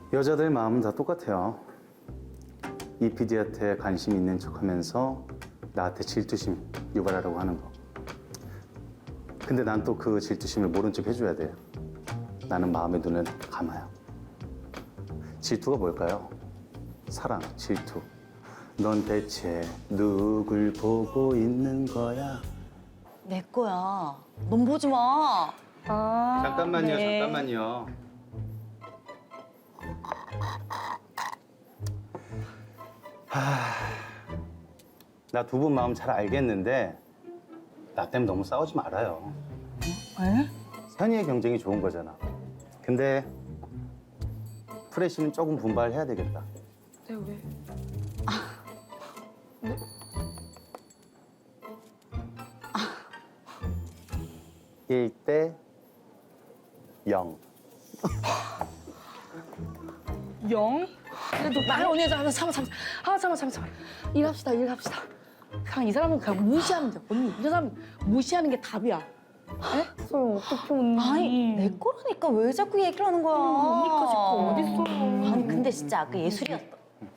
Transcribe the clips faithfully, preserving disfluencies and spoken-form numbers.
여자들 마음은 다 똑같아요. 이 피디한테 관심 있는 척하면서 나한테 질투심 유발하려고 하는 거. 근데 난 또 그 질투심을 모른 척 해줘야 돼요. 나는 마음의 눈을 감아요. 질투가 뭘까요? 사랑, 질투. 넌 대체 누굴 보고 있는 거야? 내 거야. 넌 보지 마. 아, 잠깐만요, 네. 잠깐만요. 나 두 분 마음 잘 알겠는데 나 때문에 너무 싸우지 말아요. 에? 선의의 경쟁이 좋은 거잖아. 근데 프레쉬는 조금 분발해야 되겠다. 네, 왜? 일 대 영. 영? 그래도 말 언니 잠깐 참아 참아 아 참아 참아 참아 일합시다 일합시다. 그냥 이 사람은 그냥 무시하면 돼. 언니 이 사람 무시하는 게 답이야. 에? 소영 어떻게 언니? 아니, 내 거라니까 왜 자꾸 얘기를 하는 거야? 언니 거지 그거 어딨어? 아니, 근데 진짜 아까 예술이었다.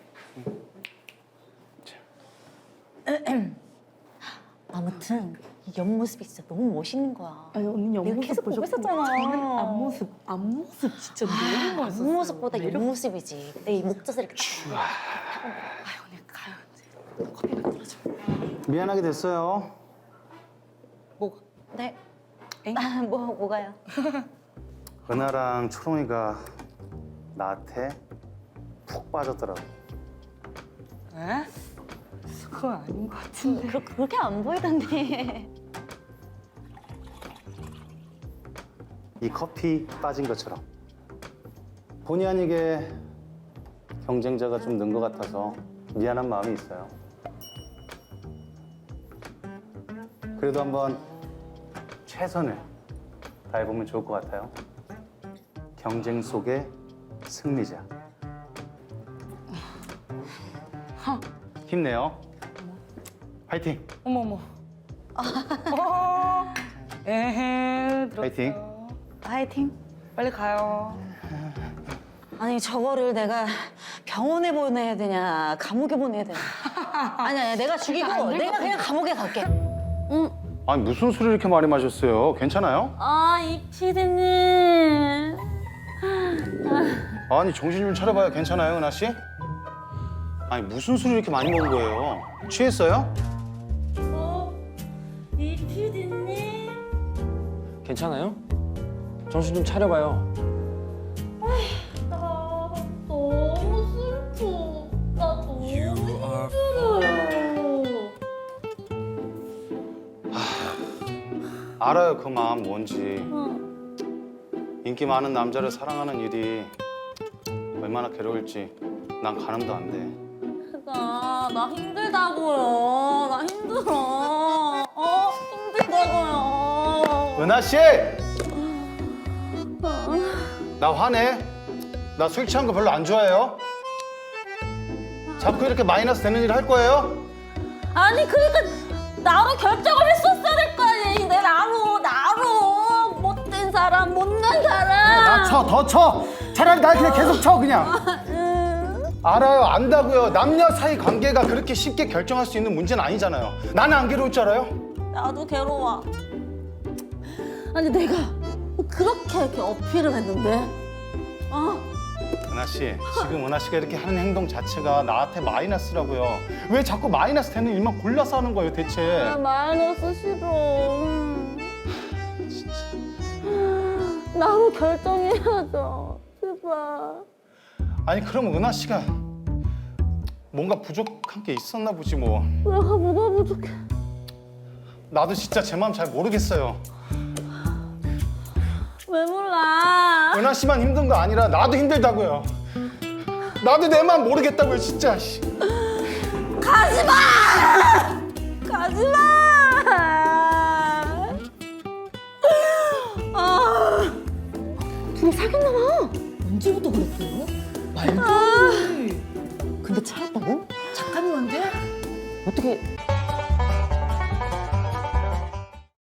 아무튼 이 옆모습이 진짜 너무 멋있는 거야. 아니 언니 내가 옆모습 계속 보고 보셨고 있었잖아. 저는 앞모습 앞모습 진짜 너무 멋있었어요. 앞모습보다 매력- 옆모습이지. 내 이 목젖을 이렇게 딱. 아유 언니 가요 이제 커피가 떨어져. 미안하게 됐어요. 뭐가? 네. 엥? 아, 뭐 뭐가요? 은하랑 초롱이가 나한테 푹 빠졌더라고. 에? 그건 아닌 것 같은데. 그, 그렇게 안 보이던데. 이 커피 빠진 것처럼 본의 아니게 경쟁자가 좀 는 것 같아서 미안한 마음이 있어요. 그래도 한번 최선을 다해보면 좋을 것 같아요. 경쟁 속의 승리자. 힘내요. 파이팅! 어머 어머. 어. 에헤 들었어. 파이팅. 파이팅. 빨리 가요. 아니 저거를 내가 병원에 보내야 되냐 감옥에 보내야 되냐. 아니 아니 내가 죽이고 내가 그냥 감옥에 갈게. 응. 아니 무슨 술을 이렇게 많이 마셨어요? 괜찮아요? 아이 피디님. 아니 정신 좀 차려봐요. 괜찮아요, 은하 씨? 아니 무슨 술을 이렇게 많이 먹은 거예요? 취했어요? 어? 이 피디님. 괜찮아요? 정신 좀 차려봐요. 나 너무 슬퍼. 나 너무 힘들어요. 알아요, 그 마음 뭔지. 어. 인기 많은 남자를 사랑하는 일이 얼마나 괴로울지 난 가늠도 안 돼. 나, 나 힘들다고요. 나 힘들어. 어? 힘들다고요. 은하 씨! 나 화내. 나 술 취한 거 별로 안 좋아해요. 자꾸 이렇게 마이너스 되는 일 할 거예요? 아니, 그러니까 나로 결정을 했었어야 될 거 아니야. 내 나로, 나로. 못된 사람, 못난 사람. 나 쳐, 더 쳐! 차라리 날 그냥 계속 쳐, 그냥. 알아요, 안다고요. 남녀 사이 관계가 그렇게 쉽게 결정할 수 있는 문제는 아니잖아요. 나는 안 괴로울 줄 알아요? 나도 괴로워. 아니, 내가 뭐 그렇게 이렇게 어필을 했는데. 어? 은하 씨, 지금 은하 씨가 이렇게 하는 행동 자체가 나한테 마이너스라고요. 왜 자꾸 마이너스 되는 일만 골라서 하는 거예요, 대체? 나 마이너스 싫어. 진짜. 나로 결정해야죠. 제발. 아니, 그럼 은하 씨가 뭔가 부족한 게 있었나 보지 뭐. 내가 뭐가 부족해. 나도 진짜 제 마음 잘 모르겠어요. 왜 몰라? 은하 씨만 힘든 거 아니라 나도 힘들다고요. 나도 내 마음 모르겠다고요, 진짜. 씨. 가지 마! 가지 마! 아, 둘이 사귀었나 봐. 언제부터 그랬어요? 말도 안 돼. 근데 차였다고? 작가님한테? 어떻게